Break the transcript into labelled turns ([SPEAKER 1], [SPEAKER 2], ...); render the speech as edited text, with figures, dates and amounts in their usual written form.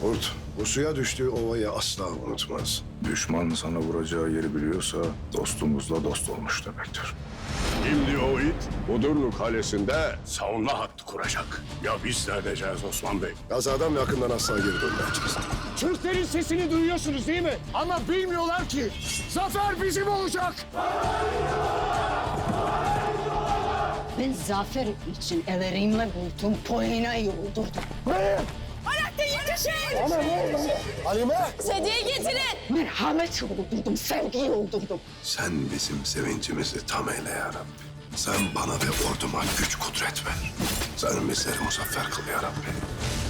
[SPEAKER 1] Kurt, bu suya düştüğü ovayı asla unutmaz.
[SPEAKER 2] Düşman sana vuracağı yeri biliyorsa dostumuzla dost olmuş demektir.
[SPEAKER 3] Şimdi o it Budurnu Kalesi'nde savunma hattı kuracak. Ya biz ne edeceğiz Osman Bey?
[SPEAKER 1] Kazadan yakından asla geri dönmeyeceğiz.
[SPEAKER 4] Türklerin sesini duyuyorsunuz değil mi? Ama bilmiyorlar ki zafer bizim olacak.
[SPEAKER 5] Ben zafer için ellerimle buldum, Polina'yı öldürdüm.
[SPEAKER 6] Alaaddin yetişin!
[SPEAKER 4] Halime!
[SPEAKER 6] Sedyeyi getirin!
[SPEAKER 5] Merhamet öldürdüm, sevgiyi öldürdüm.
[SPEAKER 1] Sen bizim sevincimizi tam eyle ya Rabbi. Sen bana ve orduma güç kudret ver. Sen bizleri muzaffer kıl ya Rabbi.